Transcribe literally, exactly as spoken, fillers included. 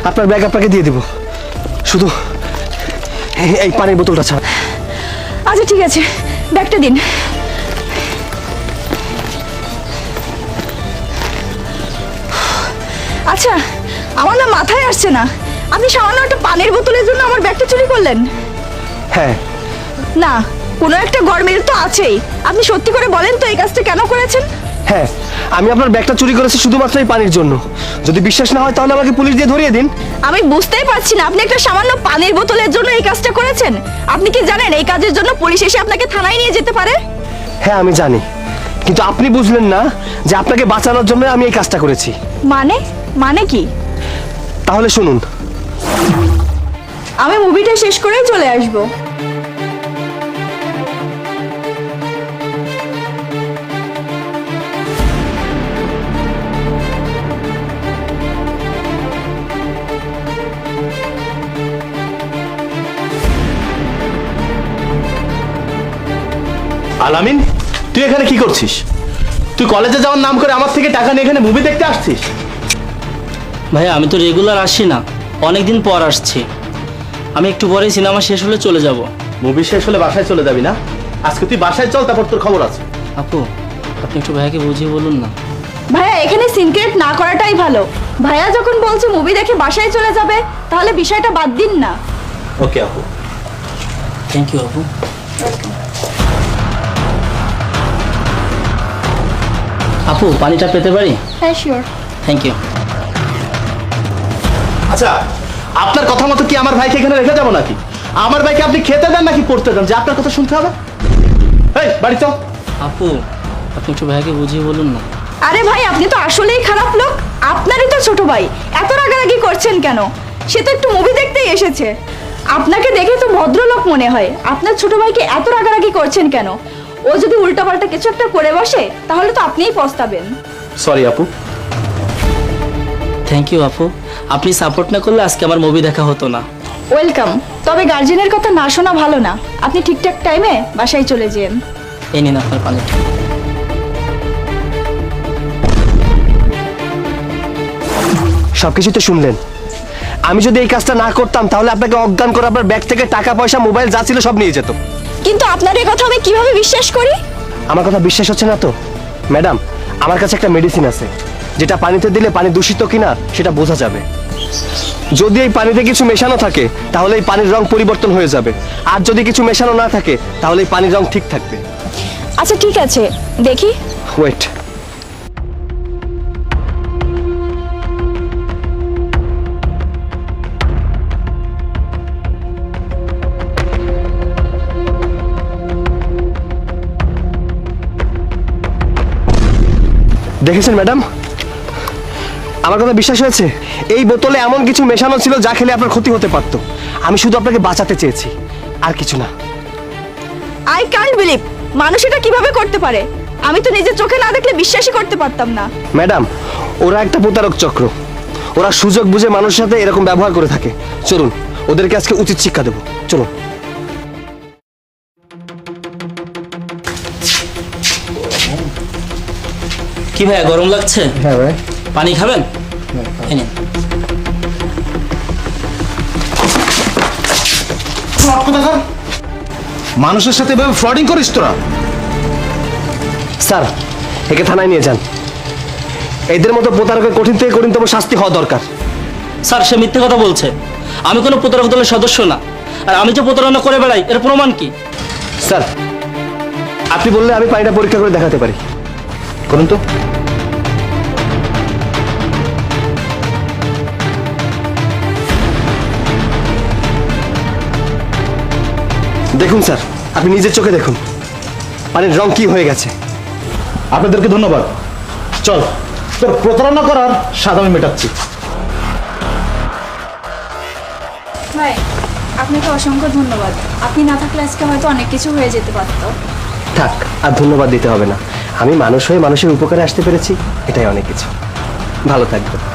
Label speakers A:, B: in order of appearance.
A: আপনার ব্যাগ আপনাকে দিয়ে দিব, শুধু এই পানির বোতলটা ছাড়া।
B: আচ্ছা ঠিক আছে, ব্যাগটা দিন। আচ্ছা, আমার না মাথায় আসছে না, আপনি সামান্য একটা পানির বোতলের জন্য আমার ব্যাগটা চুরি করলেন?
A: হ্যাঁ।
B: না, কোনো একটা গরমিল তো আছেই। আপনি সত্যি করে বলেন তো এই কাজটা কেন করেছেন?
A: হ্যাঁ, আমি আপনার ব্যাগটা চুরি করেছি শুধুমাত্র এই পানির জন্য। যদি বিশ্বাস না হয় তাহলে আমাকে পুলিশ দিয়ে ধরিয়ে দিন।
B: আমি বুঝতেই পারছি না, আপনি একটা সামান্য পানির বোতলের জন্য এই কাজটা করেছেন। আপনি কি জানেন এই কাজের জন্য পুলিশ এসে আপনাকে থানায় নিয়ে যেতে পারে?
A: হ্যাঁ আমি জানি, কিন্তু আপনি বুঝলেন না যে আপনাকে বাঁচানোর জন্য আমি এই কাজটা করেছি।
B: মানে মানে কি?
A: তাহলে শুনুন।
B: আমি মুভিটা শেষ করেই চলে আসবো।
C: আলামিন, তুই এখানে কি করছিস? তুই কলেজে যাওয়ার নাম করে আমার থেকে টাকা নিয়ে এখানে মুভি দেখতে আসছিস?
D: ভাইয়া আমি তো রেগুলার আসি না, অনেকদিন পর আসছি। আমি একটু পরেই সিনেমা শেষ হলে চলে যাব।
C: মুভি শেষ হলে বাসায় চলে যাবি না? আজকে তুই বাসায় চল, তারপর তোর খবর আছে।
D: আপু আপনি একটু ভাইয়াকে বুঝিয়ে বলুন না।
B: ভাইয়া এখানে সিনক্রেট না করাটাই ভালো। ভাইয়া যখন বলছে মুভি দেখে বাসায় চলে যাবে, তাহলে বিষয়টা বাদ দিন না।
C: ওকে আপু।
D: থ্যাংক ইউ আপু। আপু পানিটা পেতে পারি?
B: হ্যাঁ শিওর।
D: Thank you.
C: আচ্ছা, আপনার কথা মতো কি আমার ভাইকে এখানে রেখে যাবো নাকি? আমার ভাইকে আপনি খেতে দেন নাকি পড়তে দেন যে আপনার কথা শুনতে হবে? এই বাড়ি চল।
D: আপু আপনি একটু ভাইয়াকে বুঝিয়ে বলুন না।
B: আরে ভাই, আপনি তো আসলেই খারাপ লোক। আপনারই তো ছোট ভাই, এত রাগারাগি করছেন কেন? সে তো একটু মুভি দেখতেই এসেছে। আপনাকে দেখে তো ভদ্রলোক মনে হয়, আপনার ছোট ভাইকে এত রাগারাগি করছেন কেন? ও যদি উল্টাপাল্টা কিছু একটা করে বসে, তাহলে তো আপনিই পস্তাবেন।
C: সরি আপু।
D: থ্যাংক ইউ আপু, আপনি সাপোর্ট না করলে আজকে আমার মুভি দেখা হতো না।
B: ওয়েলকাম। তবে গার্জেনের কথা না শোনা ভালো না। আপনি ঠিকঠাক টাইমে বাসায় চলে যান।
D: এই নিন আপনার পানিটা।
A: সবকিছু তো শুনলেন। আমি যদি এই কাজটা না করতাম তাহলে আপনাকে অজ্ঞান করে আপনার ব্যাগ থেকে টাকা পয়সা মোবাইল যা ছিল সব নিয়ে যেত।
B: কিন্তু আপনার এই কথা আমি কিভাবে বিশ্বাস করি?
A: আমার কথা বিশ্বাস হচ্ছে না তো? ম্যাডাম, আমার কাছে একটা মেডিসিন আছে যেটা পানিতে দিলে পানি দূষিত কিনা সেটা বোঝা যাবে। যদি এই পানিতে কিছু মেশানো থাকে তাহলে এই পানির রং পরিবর্তন হয়ে যাবে, আর যদি কিছু মেশানো না থাকে তাহলে এই পানির রং ঠিক থাকবে।
B: আচ্ছা ঠিক আছে, দেখি।
A: ওয়েট। দেখেছেন ম্যাডাম, আমার কথা বিশ্বাস হয়েছে? এই বোতলে এমন কিছু মেশানো ছিল যা খেলে আপনার ক্ষতি হতে পারত। আমি শুধু আপনাকে বাঁচাতে চেয়েছি, আর কিছু না।
B: আই ক্যান্ট বিলিভ, মানুষ এটা কিভাবে করতে পারে? আমি তো নিজের চোখে না দেখলে বিশ্বাসই করতে পারতাম না।
A: ম্যাডাম, ওরা একটা প্রতারক চক্র। ওরা সুযোগ বুঝে মানুষের সাথে এরকম ব্যবহার করে থাকে। চলুন ওদেরকে আজকে উচিত শিক্ষা দেবো, চলুন।
D: কি ভাইয়া গরম লাগছে?
A: হ্যাঁ ভাই।
D: পানি খাবেন? এই নিন।
C: মানুষের সাথে এভাবে ফ্রডিং করিস তোরা?
A: স্যার, একে থানায় নিয়ে যান। এদের মতো প্রতারকের কঠিন থেকে কঠিনতম শাস্তি হওয়া দরকার।
D: স্যার সে মিথ্যে কথা বলছে। আমি কোনো প্রতারক দলের সদস্য না, আর আমি যে প্রতারণা করে বেড়াই এর প্রমাণ কি?
A: স্যার, আপনি বললে আমি পানিটা পরীক্ষা করে দেখাতে পারি। করুন তো। দেখুন স্যার, আপনি নিজের চোখে দেখুন পানির রং কি হয়ে গেছে।
C: আপনাদেরকে ধন্যবাদ। চল, তোর প্রতারণা করার স্বাদ আমি মেটাচ্ছি।
B: ভাই, আপনাকে অসংখ্য ধন্যবাদ। আপনি না থাকলে আজকে হয়তো অনেক কিছু হয়ে যেতে পারতো।
A: থাক, আর ধন্যবাদ দিতে হবে না। আমি মানুষ হয়ে মানুষের উপকারে আসতে পেরেছি, এটাই অনেক কিছু। ভালো থাকবেন।